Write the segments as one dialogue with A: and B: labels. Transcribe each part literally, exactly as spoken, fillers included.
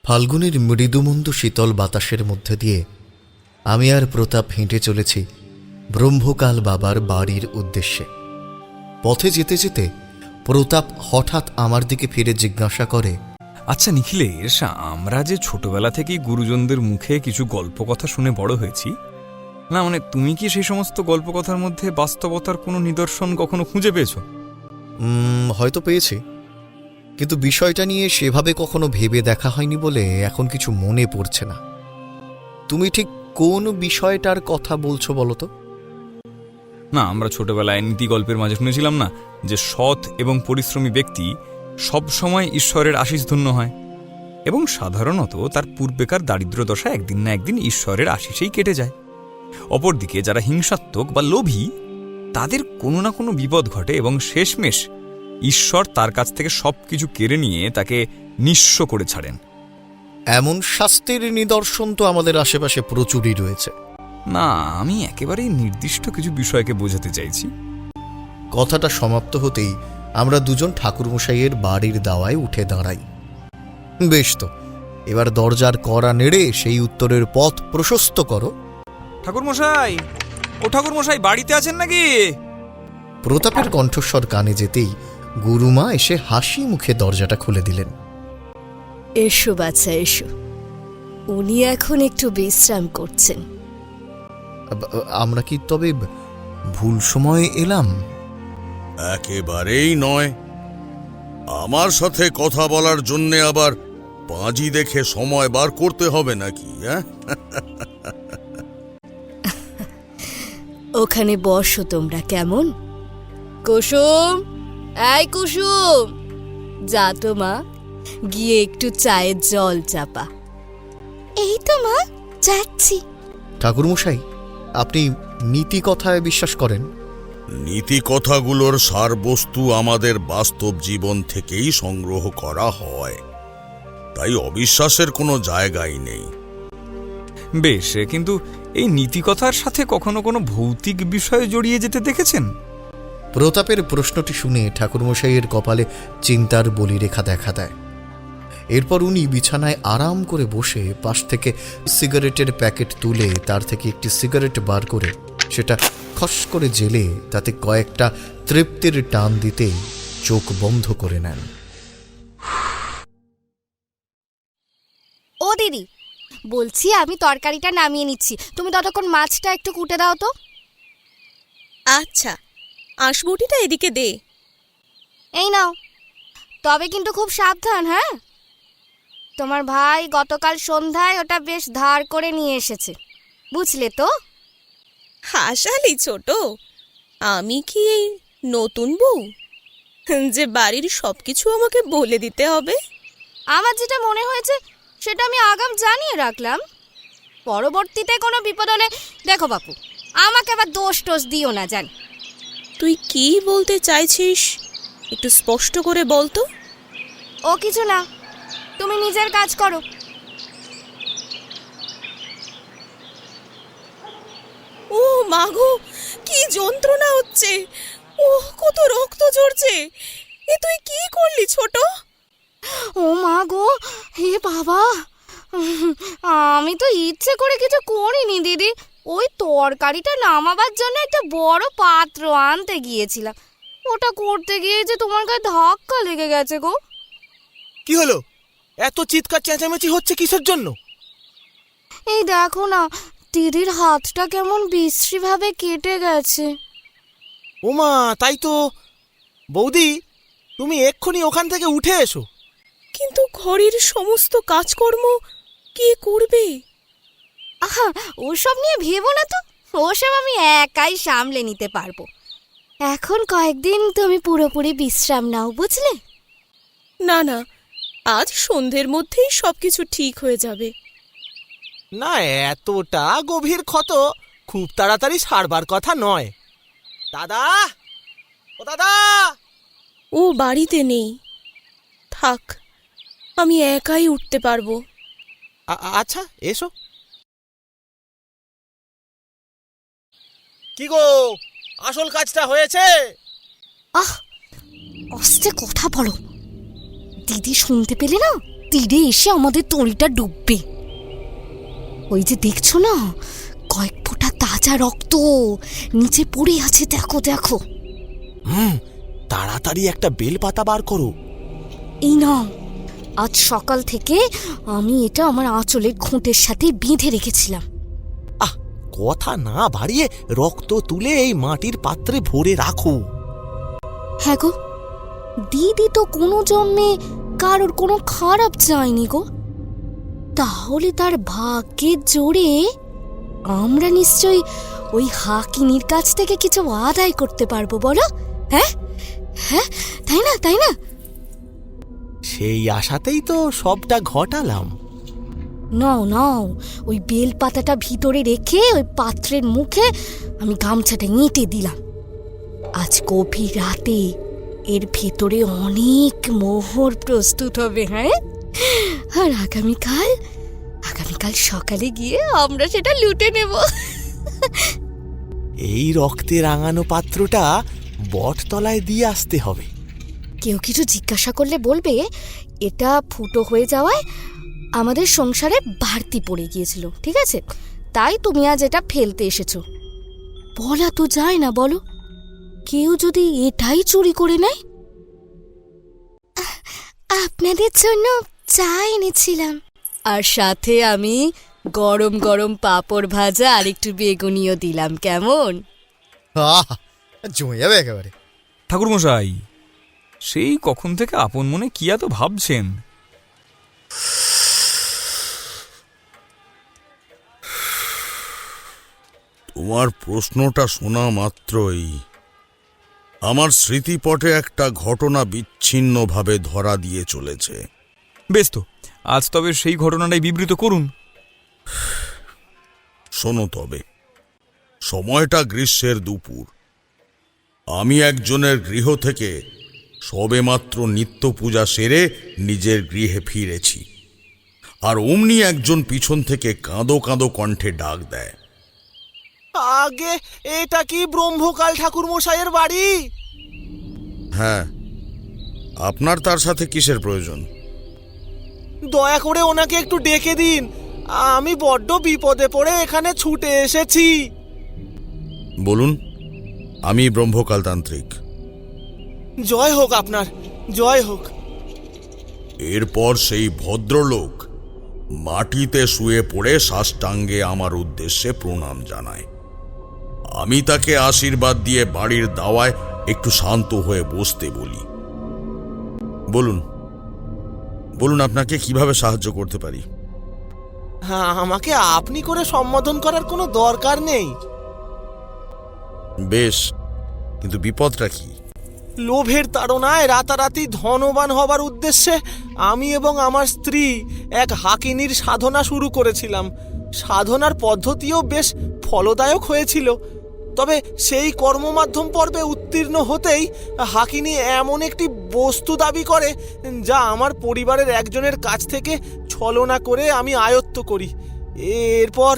A: ফাল্গুনের মৃদুমন্দ শীতল বাতাসের মধ্যে দিয়ে আমি আর প্রতাপ হেঁটে চলেছি ব্রহ্মকাল বাবার বাড়ির উদ্দেশ্যে। পথে যেতে যেতে প্রতাপ হঠাৎ আমার দিকে ফিরে জিজ্ঞাসা করে,
B: আচ্ছা নিখিলেশ, আমরা যে ছোটবেলা থেকেই গুরুজনদের মুখে কিছু গল্প কথা শুনে বড় হয়েছি, না মানে তুমি কি সেই সমস্ত গল্প কথার মধ্যে বাস্তবতার কোনো নিদর্শন কখনো খুঁজে পেয়েছো?
A: হয়তো পেয়েছি, কিন্তু বিষয়টা নিয়ে সেভাবে কখনো ভেবে দেখা হয়নি বলে এখন কিছু মনে পড়ছে না। তুমি ঠিক কোন বিষয়টার কথা বলছো বলো তো?
B: না, আমরা ছোটবেলায় নীতি গল্পের মাঝে শুনেছিলাম না যে সৎ এবং পরিশ্রমী ব্যক্তি সব সময় ঈশ্বরের আশিস ধন্য হয় এবং সাধারণত তার পূর্বেকার দারিদ্র দশা একদিন না একদিন ঈশ্বরের আশিসেই কেটে যায়। অপরদিকে যারা হিংসাত্মক বা লোভী, তাদের কোনো না কোনো বিপদ ঘটে এবং শেষমেশ ঈশ্বর তার কাছ থেকে সব কিছু কেড়ে নিয়ে তাকে নিঃস্ব করে ছাড়েন।
A: এমন শাস্তির নিদর্শন তো আমাদের আশেপাশে প্রচুরই রয়েছে।
B: না, আমি একেবারেই নির্দিষ্ট কিছু বিষয়কে বোঝাতে চাইছি।
A: কথাটা সমাপ্ত হতেই আমরা দুজন ঠাকুরমশাইয়ের বাড়ির দাওয়ায় উঠে দাঁড়াই। বেশ তো, এবার দরজার কড়া নেড়ে সেই উত্তরের পথ প্রশস্ত করো।
B: ঠাকুরমশাই, ও ঠাকুরমশাই, বাড়িতে আছেন নাকি?
A: প্রতাপের কণ্ঠস্বর কানে যেতেই গুরুমা এসে হাসি মুখে দরজাটা খুলে দিলেন।
C: এসো বাচ্চা, এসো। উনি এখন একটু বিশ্রাম করছেন।
A: আমরা কি তবে ভুল সময়ে এলাম?
D: একেবারেই নয়। আমার সাথে কথা বলার জন্যে আবার পাঁজি দেখে সময় বার করতে হবে নাকি? হ্যাঁ,
C: ওখানে বসো তোমরা, কেমন? কুসুম, এই কুসুম, যা তো মা, গিয়ে একটু চায়ের জল চাপা। এই তো মা, যাচ্ছি।
A: ঠাকুরমশাই, আপনি নীতি কথায় বিশ্বাস করেন?
D: নীতি কথাগুলোর সারবস্তু আমাদের বাস্তব জীবন থেকেই সংগ্রহ করা হয়, তাই অবিশ্বাসের কোনো জায়গাই নেই।
B: বেশ, কিন্তু এই নীতিকথার সাথে কখনো কোনো ভৌতিক বিষয় জড়িয়ে যেতে দেখেছেন?
A: প্রতাপের প্রশ্নটি শুনে ঠাকুরমশাইয়ের কপালে চিন্তার বলিরেখা দেখা দেয়। এরপর উনি বিছানায় আরাম করে বসে পাশ থেকে সিগারেটের প্যাকেট তুলে তার থেকে একটি সিগারেট বার করে সেটা খস করে জেলে তাতে কয়েকটা তৃপ্তির টান দিতেই চোখ বন্ধ করে নেন।
E: ও দিদি, বলছি আমি তরকারিটা নামিয়ে নিচ্ছি, তুমি ততক্ষণ মাছটা একটু কুটে দাও তো।
F: আচ্ছা, আঁশবটিটা এদিকে দে।
E: এই নাও, তবে কিন্তু খুব সাবধান। হ্যাঁ, তোমার ভাই গতকাল সন্ধ্যায় ওটা বেশ ধার করে নিয়ে এসেছে, বুঝলে তো?
F: হাসালি ছোট, আমি কি এই নতুন বউ যে বাড়ির সবকিছু আমাকে বলে দিতে হবে?
E: আমার যেটা মনে হয়েছে সেটা আমি আগাম জানিয়ে রাখলাম, পরবর্তীতে কোনো বিপদ হলে দেখো বাপু, আমাকে আবার দোষ টোষ দিও না। জান,
F: তুই কি বলতে চাইছিস একটু স্পষ্ট করে বল তো।
E: ও কিছু না, তুমি নিজের কাজ করো।
F: ও মাগো, কি যন্ত্রণা হচ্ছে! ও কত রক্ত ঝরছে! এ তুই কি করলি ছোট?
E: ও মা গো, হে বাবা, আমি তো ইচ্ছে করে কিছু করিনি দিদি। ওই তরকারিটা নামাবার জন্য একটা বড় পাত্র আনতে গিয়েছিলাম, ওটা করতে গিয়ে যে তোমার গায়ে ধাক্কা লেগে গেছে গো।
G: কি হলো? এত চিৎকার চেঁচামেচি হচ্ছে কিসের জন্য?
E: এই দেখো না, দিদির হাতটা কেমন বিশ্রী ভাবে কেটে গেছে।
G: ওমা, তাই তো। বৌদি, তুমি এক্ষুনি ওখান থেকে উঠে এসো।
F: কিন্তু ঘরের সমস্ত কাজকর্ম কে করবে?
E: আহা, ওসব নিয়ে ভেবো না তো, ওসব আমি একাই সামলে নিতে পারবো। এখন কয়েকদিন তুমি পুরোপুরি বিশ্রাম নাও, বুঝলে?
F: না না, আজ সন্ধ্যের মধ্যেই সবকিছু ঠিক হয়ে যাবে।
G: না, এতটা গভীর ক্ষত খুব তাড়াতাড়ি সারবার কথা নয়। দাদা, ও দাদা!
F: ও বাড়িতে নেই, থাক, আমি একাই উঠতে পারবো।
G: আচ্ছা, এসো। কি গো, আসল কাজটা হয়েছে?
E: আহ, আস্তে কথা বলো, দিদি শুনতে পেলে না?
C: তীরে এসে আমাদের তরিটা ডুববে। ওই যে দেখছো না, কয়েক ফোঁটা তাজা রক্ত নিচে পড়ে আছে, দেখো দেখো।
G: হুম, তাড়াতাড়ি একটা বেলপাতা বার করো।
C: এই নাও, আজ সকাল থেকে আমি এটা আমার আঁচলের খুঁটের সাথে বেঁধে রেখেছিলাম।
G: আহ, কথা না বাড়িয়ে রক্ত তুলে এই মাটির পাত্রে ভরে রাখো।
C: হ্যাঁ গো, দিদি তো কোনো জন্মে কারোর কোনো খারাপ চায়নি গো। তাহলে তার ভাগ্যের জোরে আমরা নিশ্চয়ই ওই হাকিনীর কাছ থেকে কিছু আদায় করতে পারবো, বলো? হ্যাঁ হ্যাঁ, তাই না তাই না?
G: সেই আশাতেই তো সবটা ঘটালাম।
C: নাও নাও, ওই বেল পাতাটা ভিতরে রেখে ওই পাত্রের মুখে আমি গামছাটা এঁটে দিলাম। আজ গভীর রাতে এর ভেতরে অনেক মোহর প্রস্তুত হবে। হ্যাঁ, আর আগামীকাল আগামীকাল সকালে গিয়ে আমরা সেটা লুটে নেব।
G: এই রক্তে রাঙানো পাত্রটা বটতলায় দিয়ে আসতে হবে।
C: কেউ কিছু জিজ্ঞাসা করলে বলবে এটা ফুটো হয়ে যাওয়ায় আমাদের সংসারে বাড়তি পড়ে গিয়েছিল, ঠিক আছে? তাই তুমি আজ এটা ফেলতে এসেছো। বলা তো যায় না, বলো? কেউ যদি এটাই চুরি করে নেয়। আপনাদের জন্য চা এনেছিলাম, আর সাথে আমি গরম গরম পাঁপড় ভাজা আর একটু বেগুনিও দিলাম। কেমন?
A: আহ, জমে যাবে একেবারে।
B: ঠাকুরমশাই, সেই কখন থেকে আপন মনে কি এত ভাবছেন?
D: তোমার প্রশ্নটা শোনা মাত্রই আমার স্মৃতিপটে একটা ঘটনা বিচ্ছিন্নভাবে ধরা দিয়ে চলেছে।
B: বেশ তো, আজ তবে সেই ঘটনাটাই বিবৃত করুন।
D: শোনো তবে। সময়টা গ্রীষ্মের দুপুর। আমি একজনের গৃহ থেকে সবেমাত্র নিত্য পূজা সেরে নিজের গৃহে ফিরেছি, আর অমনি একজন পিছন থেকে কাঁদো কাঁদো কণ্ঠে ডাক দেয়।
G: আগে এটা কি ব্রহ্মকাল ঠাকুর মশাইয়ের বাড়ি?
D: হ্যাঁ, আপনার তার সাথে কিসের প্রয়োজন?
G: দয়া করে ওনাকে একটু ডেকে দিন, আমি বড্ড বিপদে পড়ে এখানে ছুটে এসেছি।
D: বলুন, আমি ব্রহ্মকাল তান্ত্রিক।
G: জয় হোক আপনার, জয় হোক।
D: এরপর সেই ভদ্রলোক মাটিতে শুয়ে পড়ে সাষ্টাঙ্গে আমার উদ্দেশ্যে প্রণাম জানায়। আমি তাকে আশীর্বাদ দিয়ে বাড়ির দাওয়ায় একটু শান্ত হয়ে বসতে বলি। বলুন বলুন আপনাকে কিভাবে সাহায্য করতে পারি?
G: হ্যাঁ, আমাকে আপনি করে সম্বোধন করার কোনো দরকার নেই।
D: বেশ, কিন্তু বিপদটা কি?
G: লোভের তাড়নায় রাতারাতি ধনবান হবার উদ্দেশ্যে আমি এবং আমার স্ত্রী এক হাকিনীর সাধনা শুরু করেছিলাম। সাধনার পদ্ধতিও বেশ ফলদায়ক হয়েছিল। তবে সেই কর্মমাধ্যম পর্বে উত্তীর্ণ হতেই হাকিনী এমন একটি বস্তু দাবি করে যা আমার পরিবারের একজনের কাছ থেকে ছলনা করে আমি আয়ত্ত করি। এরপর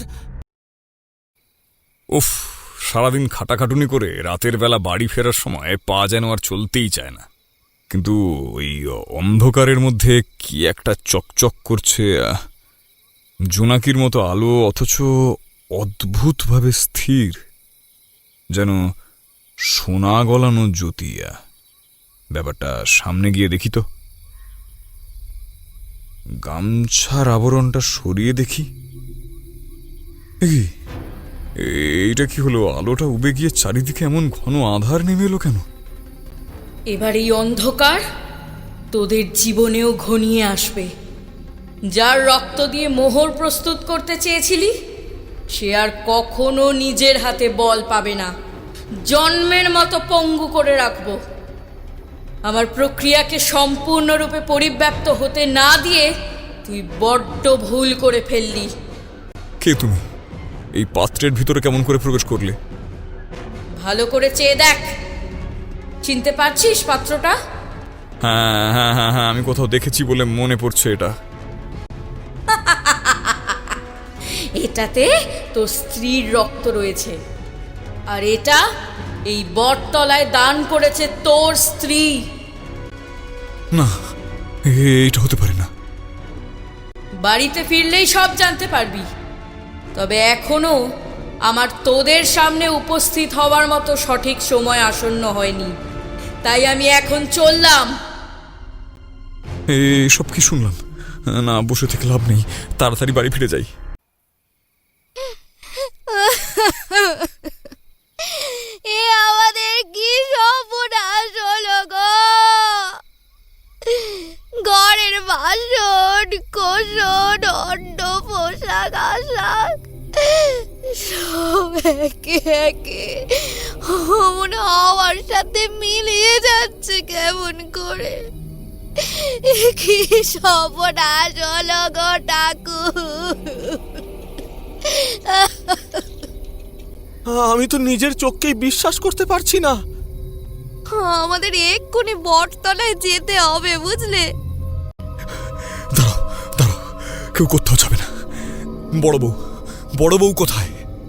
B: উফ, সারাদিন খাটাখাটুনি করে রাতের বেলা বাড়ি ফেরার সময় পা যেন আর চলতেই চায় না। কিন্তু ওই অন্ধকারের মধ্যে কি একটা চকচক করছে, জোনাকির মতো আলো, অথচ অদ্ভুতভাবে স্থির, যেন সোনা গলানো জ্যোতিয়া। ব্যাপারটা সামনে গিয়ে দেখি তো। গামছার আবরণটা সরিয়ে দেখি। এইটা কি হলো? আলোটা উবে গিয়ে চারিদিকে এমন ঘন আধার নেমে এলো কেন?
H: এবার এই অন্ধকার তোদের জীবনেও ঘনিয়ে আসবে। যার রক্ত দিয়ে মোহর প্রস্তুত করতে চেয়েছিলি, সে আর কখনো নিজের হাতে বল পাবে না। জন্মের মতো পঙ্গু করে রাখবো। আমার প্রক্রিয়াকে সম্পূর্ণরূপে পরিব্যাপ্ত হতে না দিয়ে তুই বড্ড ভুল করে ফেললি।
B: কে তুমি? এই পাত্রের ভিতরে কেমন করে প্রবেশ করলে?
H: ভালো করে চেয়ে দেখ, চিনতে পারছিস পাত্রটা?
B: হ্যাঁ হ্যাঁ হ্যাঁ হ্যাঁ, আমি কোথাও দেখেছি বলে মনে পড়ছে। এটা
H: এটাতে তোর স্ত্রীর রক্ত রয়েছে, আর এটা এই বটতলায় দান করেছে তোর স্ত্রী।
B: না, এটা হতে পারে না।
H: বাড়িতে ফিরলেই সব জানতে পারবি। তবে এখনো আমার তোদের সামনে উপস্থিত হওয়ার মতো সঠিক সময় আসন্ন হয়নি, তাই আমি এখন চললাম।
B: সব কি শুনলাম? না, বসে থেকে লাভ নেই, তাড়াতাড়ি বাড়ি ফিরে যাই।
E: এ আমাদের কি সর্বনাশ হলো গো! ঘরের বাসন কোসন অন্ন পোশাক আশাক সব একে একে মনে হওয়ার সাথে মিলিয়ে যাচ্ছে কেমন করে। এ কি সর্বনাশ হলো গো ঠাকুর!
G: আমি তো নিজের চোখকেই বিশ্বাস করতে পারছি না।
E: আমাদের এক্ষুনি বটতলায় যেতে হবে, বুঝলে?
B: দাঁড়াও দাঁড়াও, কেউ কোথাও যাবে না। বড় বউ, বড় বউ কোথায়?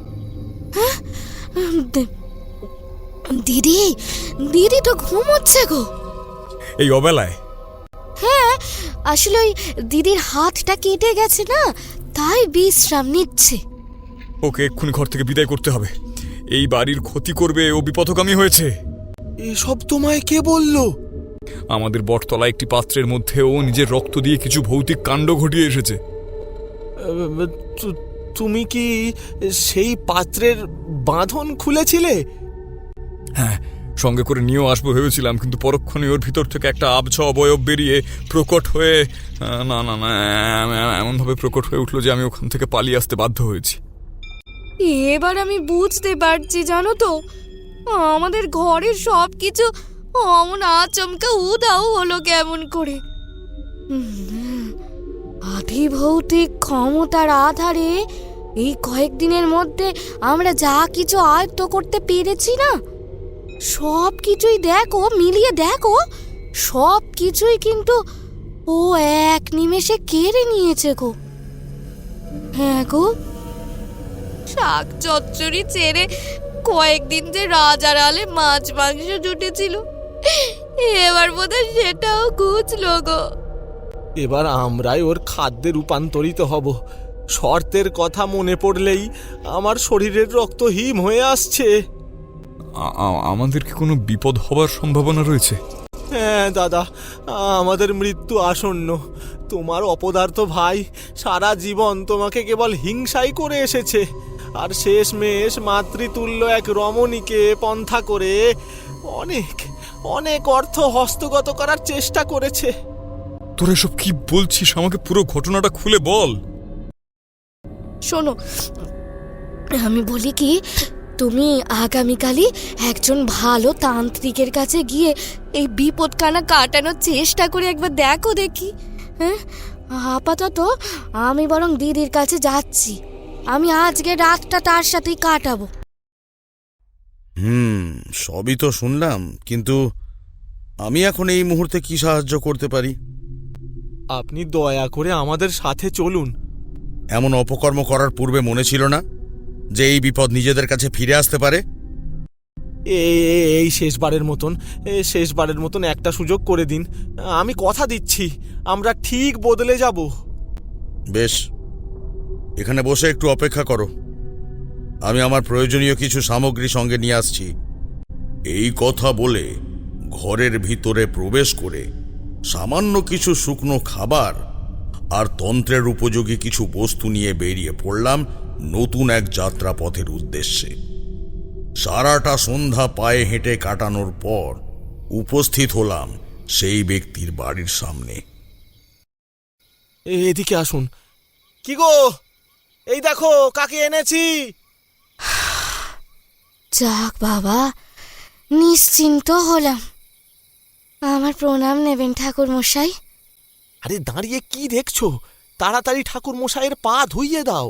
E: দিদি দিদি তো ঘুমোচ্ছে গো।
B: এই অবেলায়?
E: হ্যাঁ, আসলে ওই দিদির হাতটা কেটে গেছে না, তাই বিশ্রাম নিচ্ছে।
B: ওকে এক্ষুনি ঘর থেকে বিদায় করতে হবে। এই বাড়ির ক্ষতি করবে, ও বিপথগামী হয়েছে।
G: এসব তোমায় কে বলল?
B: আমাদের বটতলা একটি পাত্রের মধ্যে ও নিজের রক্ত দিয়ে কিছু ভৌতিক কাণ্ড ঘটিয়ে এসেছে।
G: তু- তুমি কি সেই পাত্রের বাঁধন খুলেছিলে?
B: হ্যাঁ, সঙ্গে করে নিয়েও আসবো ভেবেছিলাম, কিন্তু পরক্ষণে ওর ভিতর থেকে একটা আবছা অবয়ব বেরিয়ে প্রকট হয়ে আহ, না না না এমনভাবে প্রকট হয়ে উঠলো যে আমি ওখান থেকে পালিয়ে আসতে বাধ্য হয়েছি।
E: এবার আমি বুঝতে পারছি, জানো তো, আমাদের ঘরের সব কিছু অমন আচমকা উধাও হলো কেমন করে। আধি ভৌতিক ক্ষমতার আধারে এই কয়েকদিনের মধ্যে আমরা যা কিছু আয়ত্ত করতে পেরেছি না, সব কিছুই দেখো, মিলিয়ে দেখো, সব কিছুই কিন্তু ও এক নিমেষে কেড়ে নিয়েছে গো। হ্যাঁ গো, শাক চচ্চড়ি ছেড়ে কয়েকদিন যে রাজার আলে মাছ মাংস জুটেছিল, এবার বোধহয় সেটাও ঘুচলো গো।
G: এবার আমরাই ওর খাদ্যে রূপান্তরিত হব। শর্তের কথা মনে পড়লেই আমার শরীরের রক্ত হিম হয়ে আসছে।
B: আ- আ- আমাদের কি কোনো বিপদ হবার সম্ভাবনা রয়েছে?
G: হ্যাঁ দাদা, আমাদের মৃত্যু আসন্ন। তোমার অপদার্থ ভাই সারা জীবন তোমাকে কেবল হিংসাই করে এসেছে, আর শেষমেশ মাতৃতুল্য এক রমণীকে পন্থা করে অনেক অনেক অর্থ হস্তগত করার চেষ্টা করেছে।
B: তোরা এসব কি বলছিস? আমাকে পুরো ঘটনাটা খুলে বল।
E: শোনো, আমি বলি কি, তুমি আগামীকালই একজন ভালো তান্ত্রিকের কাছে গিয়ে এই বিপদকানা কাটানোর চেষ্টা করে একবার দেখো দেখি। হ্যাঁ, আপাতত আমি বরং দিদির কাছে যাচ্ছি। আমি আজকে রাতটা তার সাথেই কাটাবো।
D: হুম, সবই তো শুনলাম, কিন্তু আমি এখন এই মুহূর্তে কি সাহায্য করতে পারি?
G: আপনি দয়া করে আমাদের সাথে চলুন।
D: এমন অপকর্ম করার পূর্বে মনে ছিল না যে এই বিপদ নিজেদের কাছে ফিরে আসতে পারে?
G: এই এই- এই শেষবারের মতন এই শেষবারের মতন একটা সুযোগ করে দিন। আমি কথা দিচ্ছি আমরা ঠিক বদলে যাব।
D: বেশ, এখানে বসে একটু অপেক্ষা করো, আমি আমার প্রয়োজনীয় কিছু সামগ্রী সঙ্গে নিয়ে আসছি। এই কথা বলে ঘরের ভিতরে প্রবেশ করে সামান্য কিছু শুকনো খাবার আর তন্ত্রের উপযোগী কিছু বস্তু নিয়ে বেরিয়ে পড়লাম নতুন এক যাত্রাপথের উদ্দেশ্যে। সারাটা সন্ধ্যা পায়ে হেঁটে কাটানোর পর উপস্থিত হলাম সেই ব্যক্তির বাড়ির সামনে।
G: এ- এদিকে আসুন। কি গো, এই দেখো কাকে এনেছি।
E: যাক বাবা, নিশ্চিন্ত হলাম। আমার প্রণাম নেবেন ঠাকুর মশাই।
G: আরে দাঁড়িয়ে কি দেখছো, তাড়াতাড়ি ঠাকুর মশাইয়ের পা ধুইয়ে দাও।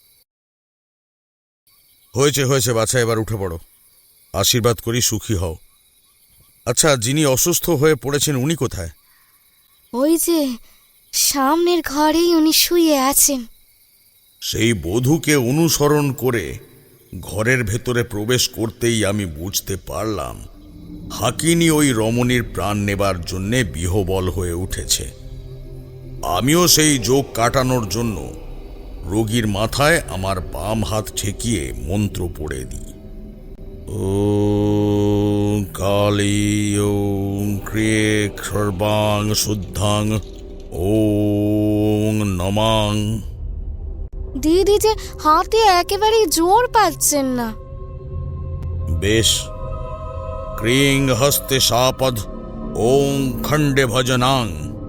D: হয়েছে হয়েছে বাছা, এবার উঠে পড়ো, আশীর্বাদ করি সুখী হও। আচ্ছা, যিনি অসুস্থ হয়ে পড়েছেন উনি কোথায়?
E: ওই যে সামনের ঘরেই উনি শুয়ে আছেন।
D: সেই বধূকে অনুসরণ করে ঘরের ভেতরে প্রবেশ করতেই আমি বুঝতে পারলাম হাকিনী ওই রমণীর প্রাণ নেবার জন্যে বিহবল হয়ে উঠেছে। আমিও সেই যোগ কাটানোর জন্য রোগীর মাথায় আমার বাম হাত ঠেকিয়ে মন্ত্র পড়ে দিই। ওম কালী ওম ক্রিয়েক সর্বাং শুদ্ধাং ওম নমাং।
E: দিদি যে হাতে একেবারেই জোর পাচ্ছেন না।
D: বেশ, ক্রিং হস্তে সাপদ ওম খণ্ডে ভজনাং।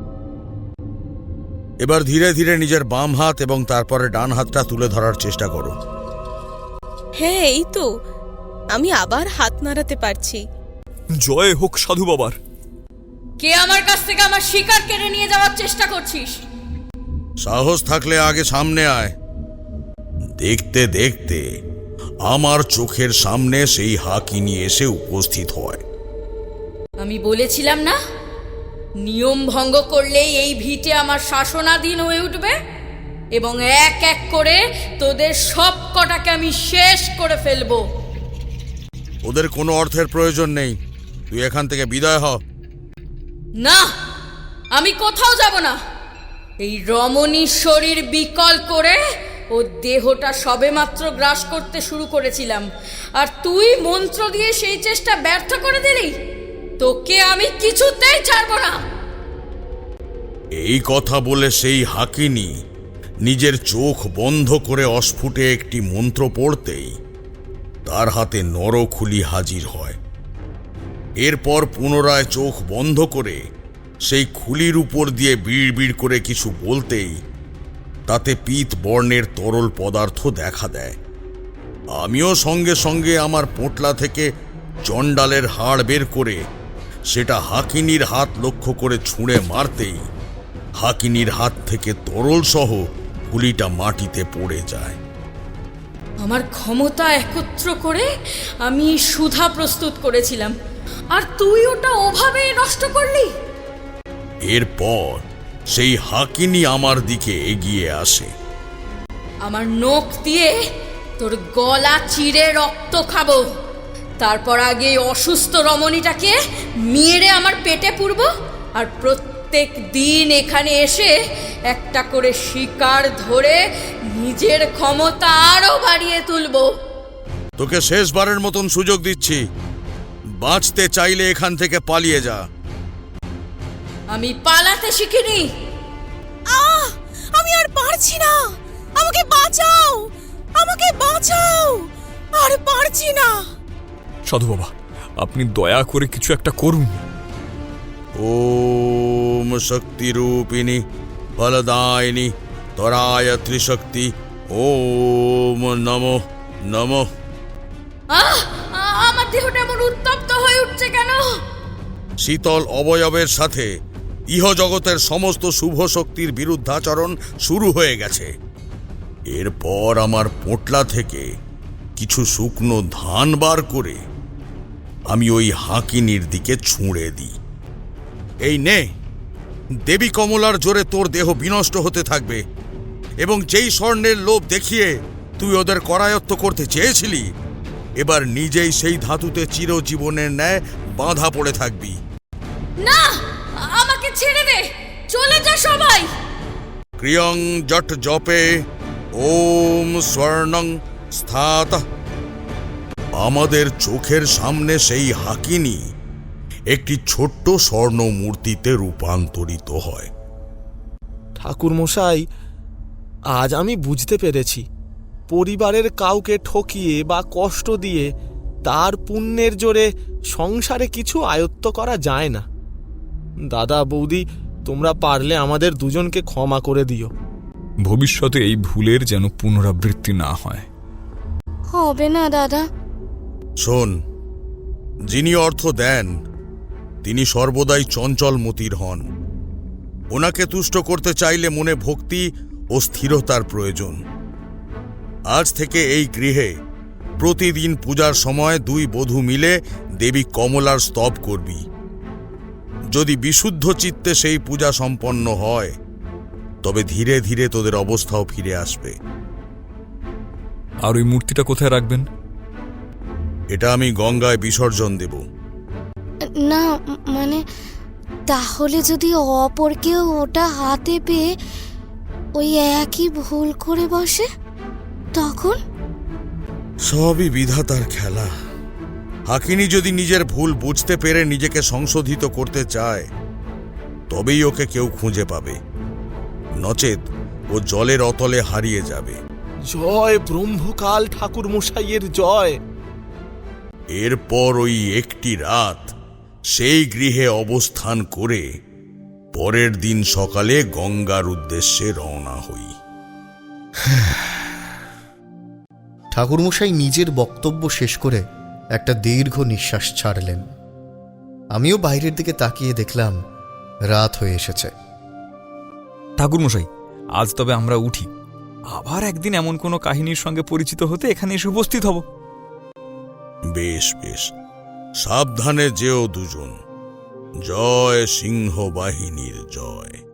D: এবার ধীরে ধীরে নিজের বাম হাত এবং তারপরে ডান হাতটা তুলে ধরার চেষ্টা করো।
F: হ্যাঁ, এই তো আমি আবার হাত নাড়াতে পারছি।
B: জয় হোক সাধু বাবার।
H: কে আমার কাছ থেকে আমার শিকার কেড়ে নিয়ে যাওয়ার চেষ্টা করছিস?
D: সাহস থাকলে আগে সামনে আয়। দেখতে দেখতে আমার চোখের সামনে সেই হাকিনি এসে উপস্থিত হয়।
H: আমি বলেছিলাম না, নিয়ম ভঙ্গ করলেই এই ভিটে আমার শাসনাধীন হয়ে উঠবে এবং এক এক করে তোদের সব কটাকে আমি শেষ করে ফেলবো।
D: ওদের কোনো অর্থের প্রয়োজন নেই, তুই এখান থেকে বিদায় হ।
H: না, আমি কোথাও যাব না। এই রমণীর শরীর বিকল করে ও দেহটা সবেমাত্র গ্রাস করতে শুরু করেছিলাম, আর তুই মন্ত্র দিয়ে সেই চেষ্টা ব্যর্থ করে দিলি। তোকে আমি কিছুতেই ছাড়বো না।
D: এই কথা বলে সেই হাকিনি নিজের চোখ বন্ধ করে অস্ফুটে একটি মন্ত্র পড়তেই তার হাতে নরখুলি হাজির হয়। এরপর পুনরায় চোখ বন্ধ করে সেই খুলির উপর দিয়ে বিড় বিড় করে কিছু বলতেই তাতে পীত বর্ণের তরল পদার্থ দেখা দেয়। আমিও সঙ্গে সঙ্গে আমার পোঁটলা থেকে চণ্ডালের হাড় বের করে সেটা হাকিনির হাত লক্ষ্য করে ছুঁড়ে মারতেই হাকিনির হাত থেকে তরল সহ খুলিটা মাটিতে পড়ে যায়।
H: আমার ক্ষমতা একত্র করে আমি সুধা প্রস্তুত করেছিলাম, আর তুই ওটা ওভাবেই নষ্ট করলি।
D: এরপর সেই হাকিনি আমার দিকে এগিয়ে আসে।
H: আমার নখ দিয়ে তোর গলা চিরে রক্ত খাবো, তারপর আগে এই অসুস্থ রমণীটাকে মেরে আমার পেটে পুরব, আর প্রত্যেক দিন এখানে এসে একটা করে শিকার ধরে নিজের ক্ষমতা আরো বাড়িয়ে তুলবো।
D: তোকে শেষবারের মতন সুযোগ দিচ্ছি, বাঁচতে চাইলে এখান থেকে পালিয়ে যা।
H: আমি পালাতে শিখিনি।
F: আহ, আমি আর পারছি না, আমাকে বাঁচাও, আমাকে বাঁচাও, আর পারছি না।
B: সাধু বাবা, আপনি দয়া করে কিছু একটা করুন।
D: ওম শক্তি রূপিণী ফলদায়িনী তরায় ত্রিশক্তি ওম নমো নমো।
H: আহ, আমার দেহটা এমন উত্তপ্ত হয়ে উঠছে কেন?
D: শীতল অবয়বের সাথে ইহজগতের সমস্ত শুভ শক্তির বিরুদ্ধাচরণ শুরু হয়ে গেছে। এরপর আমার পোঁটলা থেকে কিছু শুকনো ধান বার করে আমি ওই হাকিনির দিকে ছুঁড়ে দিই। এই নে, দেবী কমলার জোরে তোর দেহ বিনষ্ট হতে থাকবে, এবং যেই স্বর্ণের লোভ দেখিয়ে তুই ওদের করায়ত্ত করতে চেয়েছিলি, এবার নিজেই সেই ধাতুতে চিরজীবনের ন্যায় বাঁধা পড়ে থাকবি।
H: না, আমাকে ছেড়ে দে, চলে যা সবাই।
D: ক্রিয়ং জট জপে ওম স্বর্ণং স্থাত। আমাদের চোখের সামনে সেই হাকিনি একটি ছোট্ট স্বর্ণ মূর্তিতে রূপান্তরিত হয়।
G: ঠাকুর মশাই, আজ আমি বুঝতে পেরেছি, পরিবারের কাউকে ঠকিয়ে বা কষ্ট দিয়ে তার পুণ্যের জোরে সংসারে কিছু আয়ত্ত করা যায় না। দাদা বৌদি, তোমরা পারলে আমাদের দুজনকে ক্ষমা করে দিও।
B: ভবিষ্যতে এই ভুলের যেন পুনরাবৃত্তি না হয়।
E: হবে না দাদা।
D: শোন, যিনি অর্থ দেন তিনি সর্বদাই চঞ্চল মতির হন। ওনাকে তুষ্ট করতে চাইলে মনে ভক্তি ও স্থিরতার প্রয়োজন। আজ থেকে এই গৃহে প্রতিদিন পূজার সময় দুই বধূ মিলে দেবী কমলার স্তব করবি। যদি বিশুদ্ধ চিত্তে সেই পূজা সম্পন্ন হয়, তবে ধীরে ধীরে তোদের অবস্থাও ফিরে আসবে।
B: আর ওই মূর্তিটা কোথায় রাখবেন?
D: এটা আমি গঙ্গায় বিসর্জন দেব।
E: না, মানে তাহলে যদি অপর কেউ ওটা হাতে পেয়ে ওই একই ভুল করে বসে, তখন?
D: সবই বিধাতার খেলা। হাকিনি যদি নিজের ভুল বুঝতে পেরে নিজেকে সংশোধিত করতে চায়, তবেই ওকে কেউ খুঁজে পাবে, নচেত ও জলের অতলে হারিয়ে যাবে।
G: জয় ব্রহ্মকাল ঠাকুর মশাইয়ের জয়।
D: এরপর ওই একটি রাত সেই গৃহে অবস্থান করে পরের দিন সকালে গঙ্গার উদ্দেশ্যে রওনা হই।
A: ঠাকুরমশাই নিজের বক্তব্য শেষ করে একটা দীর্ঘ নিঃশ্বাস ছাড়লেন। আমিও বাইরের দিকে তাকিয়ে দেখলাম রাত হয়ে এসেছে।
B: ঠাকুরমশাই, আজ তবে আমরা উঠি। আবার একদিন এমন কোনো কাহিনীর সঙ্গে পরিচিত হতে এখানে এসে উপস্থিত হব।
D: বেশ বেশ, সাবধানে যেও দুজন। জয় সিংহ বাহিনীর জয়।